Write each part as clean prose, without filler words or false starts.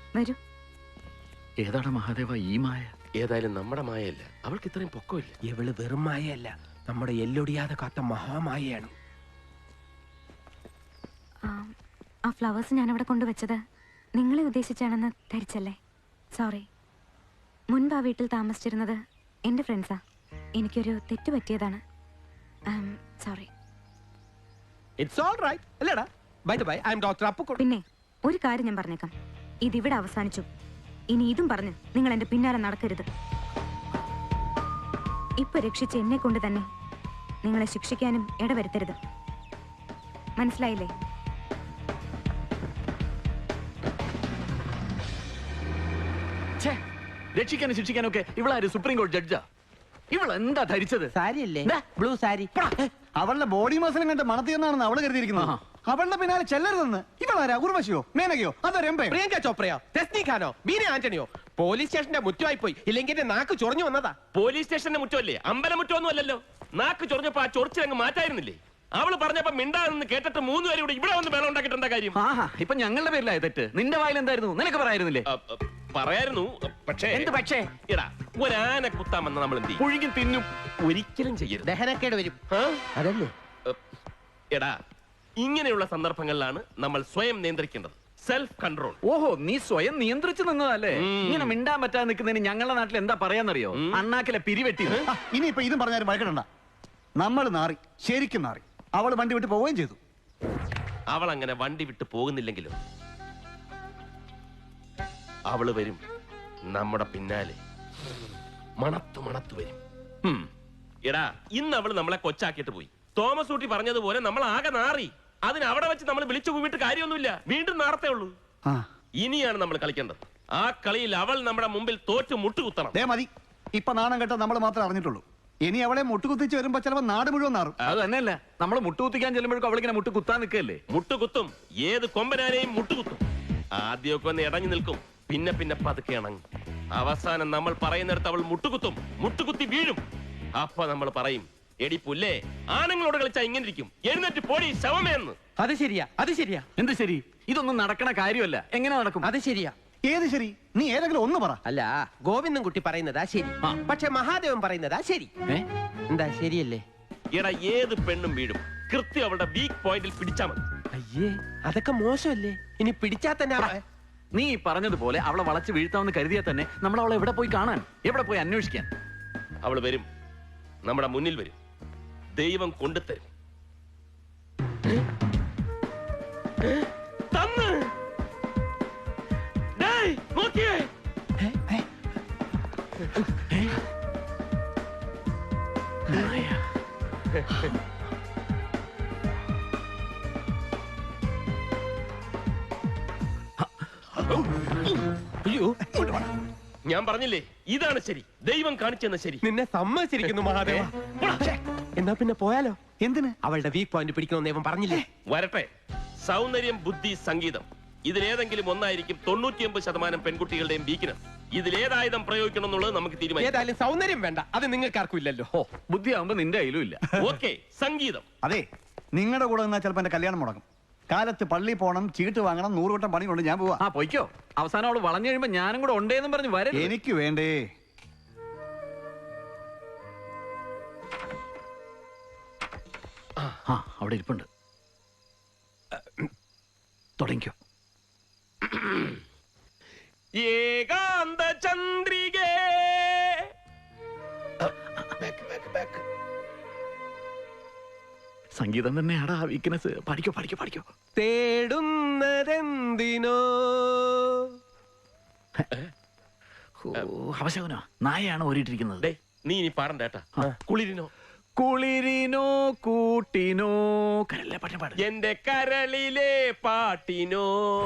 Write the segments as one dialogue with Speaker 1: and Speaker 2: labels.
Speaker 1: വരൂ.
Speaker 2: ഏതാണ് മഹാദേവ ഈ മായ?
Speaker 3: ഏതായാലും നമ്മുടെ മായയല്ല, അവൾക്ക് ഇത്രയും പൊക്കമില്ല.
Speaker 4: ഇവള് വെറും മായയല്ല, നമ്മുടെ എല്ലൊടിയാതെ കാത്ത മഹാമായയാണ്.
Speaker 1: ആ ഫ്ലവേഴ്സ് ഞാനവിടെ കൊണ്ടുവച്ചത് നിങ്ങളെ ഉദ്ദേശിച്ചാണെന്ന് ധരിച്ചല്ലേ? സോറി. മുൻപ് ആ വീട്ടിൽ താമസിച്ചിരുന്നത് എൻ്റെ ഫ്രണ്ട്സാ. എനിക്കൊരു തെറ്റ് പറ്റിയതാണ്. സോറി.
Speaker 4: ഇറ്റ്സ് ഓൾ റൈറ്റ് അല്ലേടാ? By the by, I am doctor Appu.
Speaker 1: പിന്നെ ഒരു കാര്യം ഞാൻ പറഞ്ഞേക്കാം, ഇതിവിടെ അവസാനിച്ചു. ഇനി ഇതും പറഞ്ഞ് നിങ്ങൾ എൻ്റെ പിന്നാലെ നടക്കരുത്. ഇപ്പൊ രക്ഷിച്ച് എന്നെ കൊണ്ട് തന്നെ നിങ്ങളെ ശിക്ഷിക്കാനും ഇടവരുത്തരുത്. മനസ്സിലായില്ലേ?
Speaker 2: രക്ഷിക്കാനും ശിക്ഷിക്കാനും ഒക്കെ ഇവളാര്? സുപ്രീം കോടതി ജഡ്ജാ? ഇവൾ എന്താ ധരിച്ചത്?
Speaker 4: സാരിയല്ലേ? ബ്ലൂ സാരി.
Speaker 5: അവളുടെ ബോഡി മസിലും കണ്ട് മണത്തിയെന്നാണെന്ന് അവള് കരുതിയിരിക്കുന്നത്. അവളുടെ പിന്നാലെ ചെല്ലരുതെന്ന് ഇവളാരാ? ഉർവശിയോ, മേനകയോ, അതോ രംഭയോ?
Speaker 4: പ്രിയങ്ക ചോപ്രയോ, തെസ്നി ഖാനോ, ബീന ആന്റണിയോ? പോലീസ് സ്റ്റേഷന്റെ മുറ്റമായി പോയി, ഇല്ലെങ്കിൽ എന്റെ നാക്ക് ചൊറിഞ്ഞു വന്നതാ.
Speaker 3: പോലീസ് സ്റ്റേഷന്റെ മുറ്റമല്ലേ, അമ്പലമുറ്റമൊന്നും അല്ലല്ലോ. നാക്ക് ചൊറിഞ്ഞപ്പോ ആ ചൊറിച്ചിലങ്ങ് മാറ്റായിരുന്നില്ലേ? അവള് പറഞ്ഞപ്പോ മിണ്ടാന്ന് കേട്ടിട്ട് 3 പേരും കൂടി ഇവിടെ വന്ന് ബലം ഉണ്ടാക്കിട്ടെന്താ കാര്യം?
Speaker 2: ഇപ്പൊ ഞങ്ങളുടെ പേരിലായ തെറ്റ്. നിന്റെ വായിൽ എന്തായിരുന്നു? നിനക്ക് പറയായിരുന്നില്ലേ?
Speaker 3: പറയായിരുന്നു, പക്ഷേ
Speaker 2: എന്ത് പക്ഷേ?
Speaker 3: എടാ, ഒരാന കുത്താമെന്ന് നമ്മൾ എന്ത് ചെയ്യും?
Speaker 2: പുഴുങ്ങി തിന്നും.
Speaker 3: ഒരിക്കലും ചെയ്യരുത്,
Speaker 4: ദഹനക്കേട് വരും. അതല്ലേ?
Speaker 3: എടാ, ഇങ്ങനെയുള്ള സന്ദർഭങ്ങളിലാണ് നമ്മൾ സ്വയം നിയന്ത്രിക്കേണ്ടത്. Self control.
Speaker 2: ഓഹോ, നീ സ്വയം നിയന്ത്രിച്ചു നിന്നതല്ലേ? ഇങ്ങനെ മിണ്ടാൻ പറ്റാതെ നിൽക്കുന്നതിന് ഞങ്ങളുടെ നാട്ടിൽ എന്താ പറയാന്നറിയോ? അണ്ണാക്കിലെ പിരിവെട്ടി.
Speaker 5: ഇനിയിപ്പൊ ഇതും പറഞ്ഞാലും വഴക്കിടണ്ട. നമ്മൾ നാറി, ശരിക്കും നാറി. അവള് വണ്ടി വിട്ട് പോവുകയും ചെയ്തു.
Speaker 3: അവൾ അങ്ങനെ വണ്ടി വിട്ട് പോകുന്നില്ലെങ്കിലും അവള് വരും നമ്മുടെ പിന്നാലെ, മണത്തു മണത്തു വരും. എടാ, ഇന്ന് അവള് നമ്മളെ കൊച്ചാക്കിയിട്ട് പോയി. തോമസ് ഊട്ടി പറഞ്ഞതുപോലെ നമ്മൾ ആകെ നാറി. അതിന് അവിടെ വെച്ച് നമ്മൾ വിളിച്ചു പോയിട്ട് കാര്യമൊന്നുമില്ല, വീണ്ടും നാർത്തേ ഉള്ളൂ. ഇനിയാണ് നമ്മൾ കളിക്കേണ്ടത്. ആ കളിയിൽ അവൾ നമ്മുടെ മുമ്പിൽ തോറ്റ് മുട്ടുകുത്തണം.
Speaker 5: മതി, ഇപ്പൊ നാണം കേട്ടോ നമ്മൾ മാത്രമേ അറിഞ്ഞിട്ടുള്ളൂ. ഇനി അവളെ മുട്ടുകുത്തിച്ച് വരുമ്പോ ചിലപ്പോ നാട് മുഴുവൻ നാറും.
Speaker 2: അത് തന്നെയല്ല, നമ്മൾ മുട്ടുകുത്തിക്കാൻ ചെല്ലുമ്പോഴേക്കും അവളിങ്ങനെ മുട്ടുകുത്താൻ നിൽക്കല്ലേ?
Speaker 3: മുട്ടുകുത്തും, ഏത് കൊമ്പനാനെയും മുട്ടുകുത്തും. ആദ്യമൊക്കെ ഒന്ന് ഇടഞ്ഞു നിൽക്കും, പിന്നെ പിന്നെ പതുക്കെ ഇണങ്ങും. അവസാനം നമ്മൾ പറയുന്നിടത്ത് അവൾ മുട്ടുകുത്തും, മുട്ടുകുത്തി വീഴും. അപ്പൊ നമ്മൾ പറയും, എടി പുല്ലേ, ആണുങ്ങളോട് കളിച്ചാ ഇങ്ങനെ ഇരിക്കും, എഴുന്നേറ്റ് പോടി ശവമേന്ന്.
Speaker 4: അത് ശരിയാ, അത് ശരിയാ.
Speaker 2: എന്ത് ശരി? ഇതൊന്നും നടക്കണ കാര്യമല്ല. എങ്ങനെ നടക്കും?
Speaker 4: അത് ശരിയാ.
Speaker 5: ഏത് ശരി? നീ ഏതെങ്കിലും ഒന്ന് പറ.
Speaker 4: അല്ല, ഗോവിന്ദൻ കുട്ടി പറയുന്നതാ ശരി, പക്ഷെ മഹാദേവൻ പറയുന്നതാ ശരി. എന്താ ശരിയല്ലേ?
Speaker 3: എടാ, ഏത് പെണ്ണും വീഴും, കൃത്യം അവളുടെ വീക്ക് പോയിന്റിൽ പിടിച്ചാ മതി.
Speaker 4: അയ്യേ, അതൊക്കെ മോശമല്ലേ? ഇനി പിടിച്ചാ തന്നെ
Speaker 2: നീ പറഞ്ഞതുപോലെ അവളെ വളച്ച് വീഴ്ത്താമെന്ന് കരുതിയാൽ തന്നെ നമ്മൾ അവളെ എവിടെ പോയി കാണാൻ, എവിടെ പോയി അന്വേഷിക്കാൻ?
Speaker 3: അവള് വരും, നമ്മുടെ മുന്നിൽ വരും, ദൈവം കൊണ്ടുതരും. നോക്കിയേ, ഞാൻ പറഞ്ഞില്ലേ, ഇതാണ് ശരി, ദൈവം കാണിച്ചെന്ന ശരി.
Speaker 4: നിന്നെ സമ്മതിച്ചിരിക്കുന്നു മഹാദേവ. എന്നാ പിന്നെ പോയാലോ?
Speaker 5: എന്തിന്?
Speaker 4: അവളുടെ വീക്ക് പോയിന്റ് പിടിക്കണമെന്ന് ദൈവം പറഞ്ഞില്ലേ?
Speaker 3: വരട്ടെ. സൗന്ദര്യം, ബുദ്ധി, സംഗീതം, ഇതിലേതെങ്കിലും ഒന്നായിരിക്കും 99% പെൺകുട്ടികളുടെയും വീക്ക്നെസ്. ഇതിലേതായുധം പ്രയോഗിക്കണം എന്നുള്ളത് നമുക്ക് തീരുമാനിക്കാം.
Speaker 4: ഏതായാലും സൗന്ദര്യം വേണ്ട, അത് നിങ്ങൾക്കാർക്കും ഇല്ലല്ലോ.
Speaker 2: ബുദ്ധിയാവുമ്പോ നിന്റെ കയ്യിലും ഇല്ല.
Speaker 3: ഓക്കെ, സംഗീതം.
Speaker 5: അതെ, നിങ്ങളുടെ കൂടെ നിന്നാ ചിലപ്പോ എന്റെ കല്യാണം മുടങ്ങും. കാലത്ത് പള്ളി പോണം, ചീട്ട് വാങ്ങണം, 100 വട്ടം പണി കൊണ്ട് ഞാൻ പോവാ.
Speaker 2: പൊയ്ക്കോ. അവസാനം അവള് വളഞ്ഞു കഴിയുമ്പോ ഞാനും കൂടെ ഉണ്ടേന്നും പറഞ്ഞു വരെ.
Speaker 5: എനിക്ക് വേണ്ടേ.
Speaker 2: അവിടെ ഇരിപ്പുണ്ട്. തുടങ്ങിക്കോ.
Speaker 3: ഏകാന്ത ചന്ദ്രികേ.
Speaker 2: സംഗീതം തന്നെയാടാ വീക്ക്നെസ്. പഠിക്കോ പഠിക്കോ പഠിക്കോ.
Speaker 4: തേടുന്നതെന്തിനോ
Speaker 2: അവശകനോ നായയാണ് ഓരിട്ടിരിക്കുന്നത്.
Speaker 3: നീ ഇനി പാടണ്ട കേട്ടാ. കുളിരിനോ
Speaker 2: കുളിരിനോ കൂട്ടിനോ കരളിലെ പാട്ട് പാട്.
Speaker 3: എന്റെ കരളിലെ പാട്ടിനോ.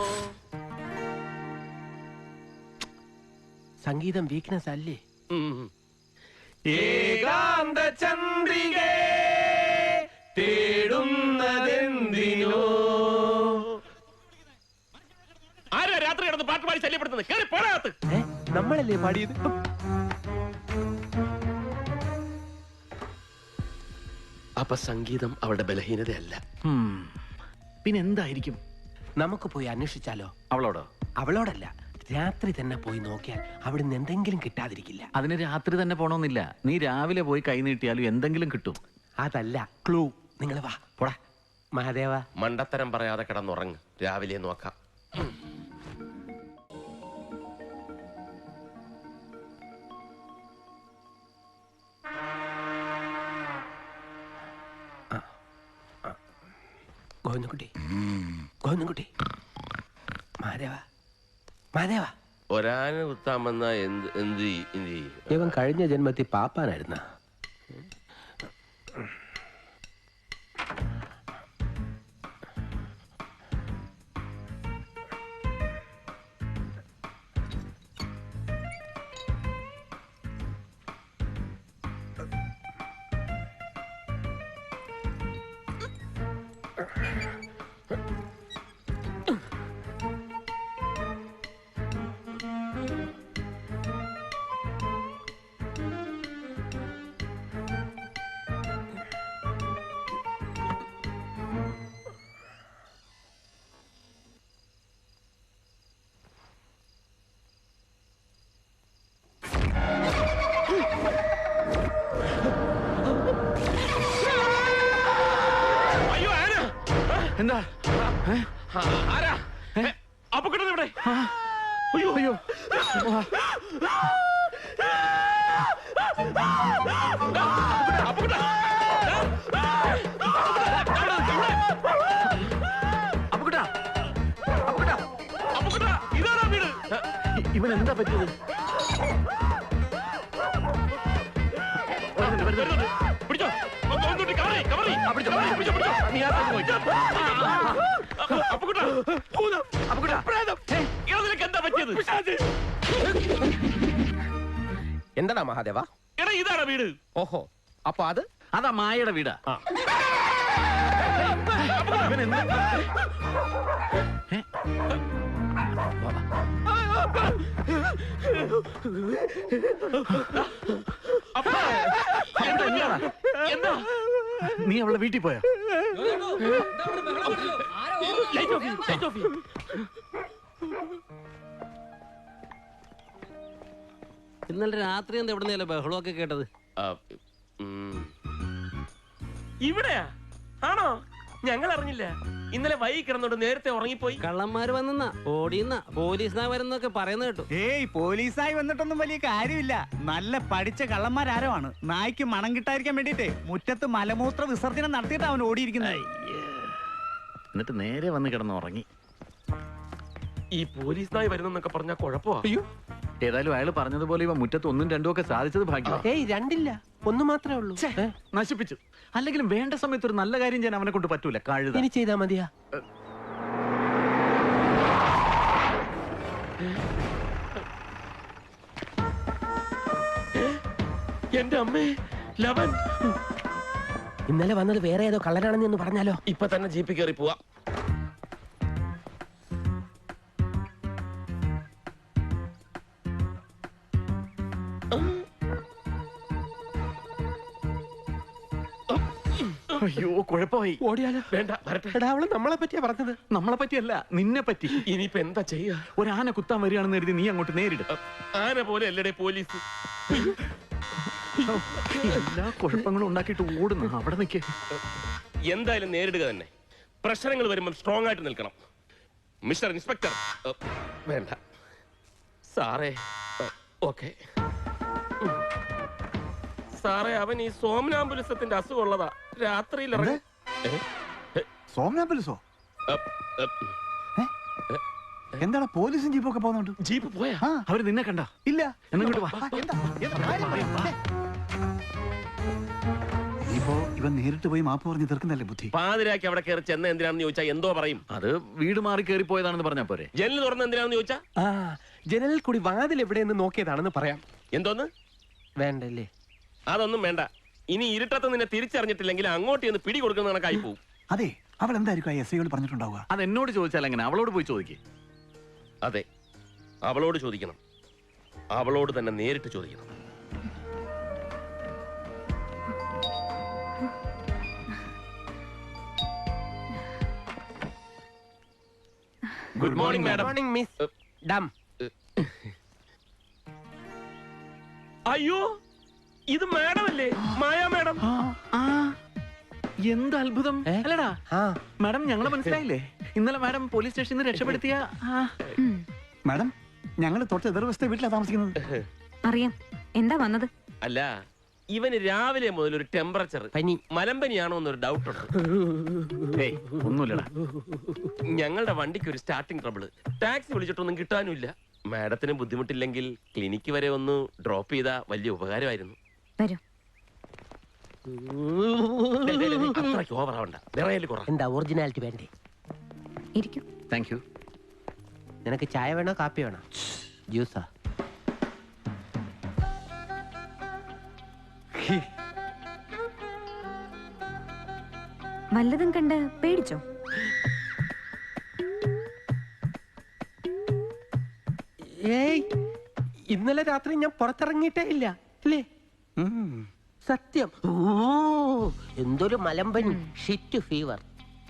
Speaker 4: സംഗീതം വീക്ക്നെസ് അല്ലേ?
Speaker 3: ഏകാന്ത ചന്ദ്രികേ തേടുന്നതെന്തിനോ. ആരാ രാത്രി കിടന്ന് പാട്ട് പാടി ശല്യപ്പെടുത്തുന്നത്? കേറി പോടാത്ത്.
Speaker 4: നമ്മളല്ലേ പാടിയത്?
Speaker 3: അപ്പൊ സംഗീതം അവളുടെ ബലഹീനതയല്ല.
Speaker 2: പിന്നെ എന്തായിരിക്കും?
Speaker 4: നമുക്ക് പോയി അന്വേഷിച്ചാലോ?
Speaker 2: അവളോടോ?
Speaker 4: അവളോടല്ല, രാത്രി തന്നെ പോയി നോക്കിയാൽ അവിടുന്ന് എന്തെങ്കിലും കിട്ടാതിരിക്കില്ല.
Speaker 2: അതിന് രാത്രി തന്നെ പോണമെന്നില്ല. നീ രാവിലെ പോയി കൈ നീട്ടിയാലും എന്തെങ്കിലും കിട്ടും.
Speaker 4: അതല്ല ക്ലൂ. നിങ്ങൾ വാ പോടാ. മഹാദേവ,
Speaker 3: മണ്ടത്തരം പറയാതെ കിടന്നുറങ്ങ്, രാവിലെ നോക്കാം.
Speaker 4: ഗോവിന്ദൻകുട്ടി, മഹാദേവ, മഹാദേവ.
Speaker 3: ഒരാന കുത്താമെന്ന എന്ത് ചെയ്യും?
Speaker 4: ഇവൻ കഴിഞ്ഞ ജന്മത്തിൽ പാപ്പാനായിരുന്ന.
Speaker 2: എന്താ?
Speaker 3: ആരാ? അപകടം ഇവിടെ.
Speaker 2: അയ്യോ അയ്യോ,
Speaker 3: ഇതാരാ വീട്?
Speaker 2: ഇവൻ എന്താ പറ്റിയത്?
Speaker 3: പിടിച്ചോ, കവറി. എന്താ പറ്റിയത്?
Speaker 4: എന്താടാ മഹാദേവ?
Speaker 3: എടാ ഇതാരാ വീട്?
Speaker 4: ഓഹോ, അപ്പൊ
Speaker 2: അതാ മായയുടെ വീടാ. ഇവൻ എന്താ?
Speaker 3: എന്താ?
Speaker 2: നീ അവളെ വീട്ടിൽ പോയോ?
Speaker 6: ഇന്നലെ രാത്രി എന്താ എവിടെ ബഹളമൊക്കെ കേട്ടത്?
Speaker 3: ഇവിടെയാ? ആണോ? ഞങ്ങൾ അറിഞ്ഞില്ല. ഇന്നലെ വൈകി കിടന്നോണ്ട് നേരത്തെ ഉറങ്ങിപ്പോയി.
Speaker 6: കള്ളന്മാര് വന്നെന്നാ, ഓടിയെന്ന പോലീസിനാ വരുന്നൊക്കെ പറയുന്ന കേട്ടു.
Speaker 5: ഏയ്, പോലീസായി വന്നിട്ടൊന്നും വലിയ കാര്യമില്ല. നല്ല പഠിച്ച കള്ളന്മാരാരോ ആണ്. നായ്ക്ക് മണം കിട്ടാതിരിക്കാൻ വേണ്ടിട്ടേ മുറ്റത്ത് മലമൂത്ര വിസർജനം നടത്തിയിട്ട് അവൻ ഓടിയിരിക്കുന്നത്.
Speaker 2: എന്നിട്ട് നേരെ വന്ന് കിടന്ന് ഉറങ്ങി.
Speaker 3: ഈ പോലീസ് നായി വരുന്നൊക്കെ പറഞ്ഞാ കുഴപ്പമാ.
Speaker 4: അയ്യോ,
Speaker 2: ഏതായാലും അയാൾ പറഞ്ഞതുപോലെ ഇവ മുറ്റത്ത് ഒന്നും രണ്ടും ഒക്കെ സാധിച്ചത് ഭാഗ്യം.
Speaker 4: ഏയ് രണ്ടില്ല, ഒന്ന് മാത്രമേ ഉള്ളൂ.
Speaker 2: നശിപ്പിച്ചു. അല്ലെങ്കിലും വേണ്ട സമയത്ത് ഒരു നല്ല കാര്യം ചെയ്യാൻ അവനെ കൊണ്ട് പറ്റൂല. കഴുത
Speaker 4: ഇനി ചെയ്താ മതിയാ.
Speaker 3: എന്റെ അമ്മേ, ലവൻ
Speaker 4: ഇന്നലെ വന്നത് വേറെ ഏതോ കള്ളനാണെന്ന് ഒന്ന് പറഞ്ഞാലോ?
Speaker 3: ഇപ്പൊ തന്നെ ജീപ്പിൽ കയറി പോവാ.
Speaker 2: അയ്യോ, കുഴപ്പമായി.
Speaker 4: ഓടിയാലോ?
Speaker 3: വേണ്ട, വരട്ടെ.
Speaker 4: എടാ, അവള് നമ്മളെ പറ്റിയാ പറഞ്ഞത്.
Speaker 2: നമ്മളെ പറ്റിയല്ല, നിന്നെ പറ്റി.
Speaker 3: ഇനിയിപ്പോ എന്താ ചെയ്യാ?
Speaker 2: ഒരു ആന കുത്താൻ വരികയാണെന്ന് കരുതി നീ അങ്ങോട്ട് നേരിടും.
Speaker 3: ആന പോലെ അല്ലടേ പോലീസ്.
Speaker 2: എല്ലാ കുഴപ്പങ്ങളും ഉണ്ടാക്കിയിട്ട് ഓടുന്നു. അവിടെ നിൽക്കേ.
Speaker 3: എന്തായാലും നേരിടുക തന്നെ. പ്രശ്നങ്ങൾ വരുമ്പോൾ സ്ട്രോങ് ആയിട്ട് നിൽക്കണം. Mister inspector. വേണ്ട സാറേ. ഓക്കെ സാറേ, അവൻ ഈ സോമനാംബുലിസത്തിന്റെ അസുഖമുള്ളതാ. രാത്രിയിൽ
Speaker 5: സോമനാപുലിസോ? എന്താണ് പോലീസും ജീപ്പൊക്കെ പോകുന്നുണ്ട്?
Speaker 3: ജീപ്പ് പോയാ?
Speaker 2: അവര് നിന്നെ കണ്ട?
Speaker 5: ഇല്ല.
Speaker 2: എന്നിങ്ങോട്ട് വാ.
Speaker 5: ഇപ്പോ ഇവൻ നേരിട്ട് പോയി മാപ്പ് പറഞ്ഞ് തീർക്കുന്നല്ലേ ബുദ്ധി.
Speaker 3: പാതിരാക്കി അവിടെ കയറി ചെന്ന എന്തിനാണെന്ന് ചോദിച്ചാ എന്തോ പറയും.
Speaker 2: അത് വീട് മാറി കയറി പോയതാണെന്ന് പറഞ്ഞാ പോരെ?
Speaker 3: ജനൽ തുറന്ന് എന്തിനാണെന്ന് ചോദിച്ചാ
Speaker 4: ജനലിൽ കൂടി വാതിൽ എവിടെയെന്ന് നോക്കിയതാണെന്ന് പറയാം.
Speaker 3: എന്തോന്ന്?
Speaker 4: വേണ്ടല്ലേ?
Speaker 3: അതൊന്നും വേണ്ട. ഇനി ഇരുട്ടത്ത് നിന്നെ തിരിച്ചറിഞ്ഞിട്ടില്ലെങ്കിൽ അങ്ങോട്ട് ചെന്ന് പിടി കൊടുക്കുന്ന കണക്കായി പോവും.
Speaker 5: അതെ, അവൾ എന്തായിരിക്കും എസ് ഐയോട് പറഞ്ഞിട്ടുണ്ടാവുക?
Speaker 2: അത് എന്നോട് ചോദിച്ചാൽ എങ്ങനെ? അവളോട് പോയി ചോദിക്കേ.
Speaker 3: അതെ, അവളോട് ചോദിക്കണം. അവളോട് തന്നെ നേരിട്ട് ചോദിക്കണം.
Speaker 2: Good morning madam.
Speaker 4: Morning madam.
Speaker 3: അയ്യോ ഇത് മാഡം അല്ലേ? മായാ മാഡം.
Speaker 2: എന്ത് അത്ഭുതം അല്ലടാ.
Speaker 4: ആ
Speaker 2: മാഡം ഞങ്ങളെ മനസ്സിലായില്ലേ? ഇന്നലെ മാഡം പോലീസ് സ്റ്റേഷനിൽ നിന്ന് രക്ഷപ്പെടുത്തിയ
Speaker 5: മാഡം ഞങ്ങൾ തൊട്ട് എതിർവശത്തെ വീട്ടിലാണ് താമസിക്കുന്നത്.
Speaker 1: അറിയാം. എന്താ വന്നത്?
Speaker 3: അല്ല ഇവന് രാവിലെ മുതൽ ഒരു ടെമ്പറേച്ചർ
Speaker 4: പനി.
Speaker 3: മലമ്പനിയാണോ എന്നൊരു ഡൗട്ട് ഉണ്ട്.
Speaker 2: ഏയ് ഒന്നുമില്ലടാ.
Speaker 3: ഞങ്ങളുടെ വണ്ടിക്ക് ഒരു സ്റ്റാർട്ടിംഗ് ട്രബിള്. ടാക്സി വിളിച്ചിട്ടൊന്നും കിട്ടാനുമില്ല. മാഡത്തിന് ബുദ്ധിമുട്ടില്ലെങ്കിൽ ക്ലിനിക്ക് വരെ ഒന്ന് ഡ്രോപ്പ് ചെയ്താ വലിയ ഉപകാരമായിരുന്നു.
Speaker 1: വരൂ.
Speaker 3: അത്രയ്ക്ക് ഓവറാവണ്ട. വിറയല് കുറ.
Speaker 4: എന്താ ഒറിജിനാലിറ്റി വേണ്ടേ?
Speaker 1: ഇരിക്കൂ.
Speaker 2: Thank you.
Speaker 4: നിനക്ക് ചായ വേണോ കാപ്പി വേണോ? ജ്യൂസാ?
Speaker 1: വല്ലതും കണ്ട് പേടിച്ചോ?
Speaker 4: ഏയ് ഇന്നലെ രാത്രി ഞാൻ പുറത്തിറങ്ങിയിട്ടേ ഇല്ല അല്ലേ? സത്യം. ഓ എന്തൊരു മലമ്പനി, ഷിറ്റ് ഫീവർ.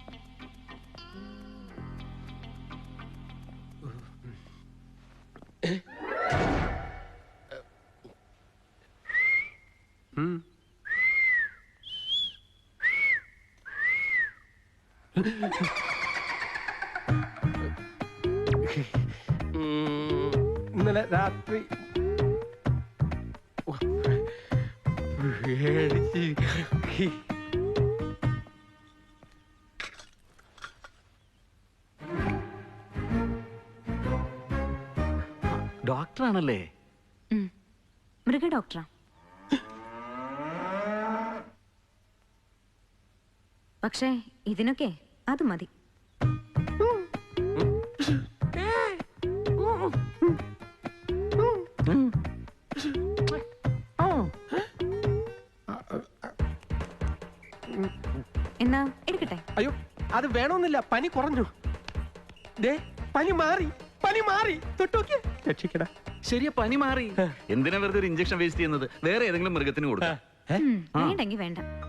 Speaker 4: ഇന്നലെ രാത്രി
Speaker 2: ഡോക്ടറാണല്ലേ?
Speaker 1: മൃഗ ഡോക്ടറാ. പക്ഷേ ഇതിനൊക്കെ അത് മതി. എന്നാ എടുക്കട്ടെ?
Speaker 4: അയ്യോ അത് വേണമെന്നില്ല, പനി കുറഞ്ഞു. ദേ പനി മാറി, പനി മാറി. തൊട്ടോക്കി രക്ഷിക്കടാ.
Speaker 2: ശരിയാ, പനി മാറി. എന്തിനാ വെറുതെ ഒരു ഇഞ്ചക്ഷൻ വേസ്റ്റ് ചെയ്യുന്നത്? വേറെ ഏതെങ്കിലും മൃഗത്തിന് കൊടുക്കാം.
Speaker 1: വേണ്ടെങ്കി വേണ്ട.